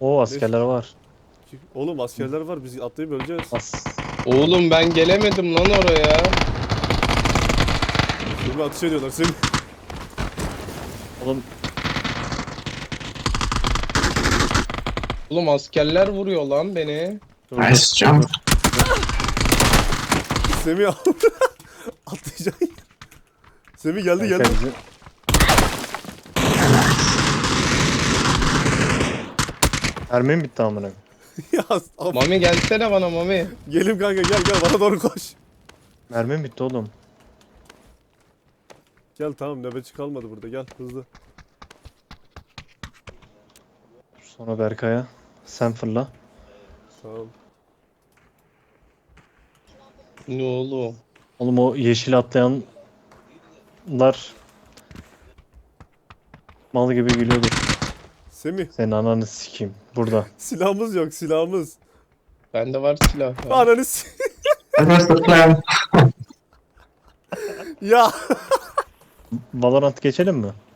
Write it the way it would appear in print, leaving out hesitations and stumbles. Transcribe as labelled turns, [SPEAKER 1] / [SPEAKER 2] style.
[SPEAKER 1] O askerler var.
[SPEAKER 2] Oğlum askerler var, biz atlayıp öleceğiz.
[SPEAKER 3] Oğlum ben gelemedim lan oraya.
[SPEAKER 2] Seni atış ediyorlar seni.
[SPEAKER 1] Oğlum
[SPEAKER 3] Oğlum askerler vuruyor lan beni.
[SPEAKER 1] dur,
[SPEAKER 4] Nice jump.
[SPEAKER 2] Semih al. Atlayacaksın. Semih geldi geldi.
[SPEAKER 1] bizi... Mermim bitti amına.
[SPEAKER 2] Ya of.
[SPEAKER 3] Mami gelsene bana Mami.
[SPEAKER 2] Gelim kanka, gel gel bana doğru koş.
[SPEAKER 1] Mermim bitti oğlum.
[SPEAKER 2] Gel tamam, nöbetçi kalmadı burada, gel hızlı.
[SPEAKER 1] Sonra Berkay'a. Sen fırla.
[SPEAKER 2] Tamam.
[SPEAKER 3] Ne oğlum?
[SPEAKER 1] Oğlum o yeşil atlayanlar mal gibi gülüyordu.
[SPEAKER 2] Semih,
[SPEAKER 1] Senin ananı sikeyim. Burada.
[SPEAKER 2] silahımız yok, silahımız.
[SPEAKER 3] Bende var silah.
[SPEAKER 2] Ananı
[SPEAKER 4] That was the plan.
[SPEAKER 2] Ya.
[SPEAKER 1] Valorant geçelim mi?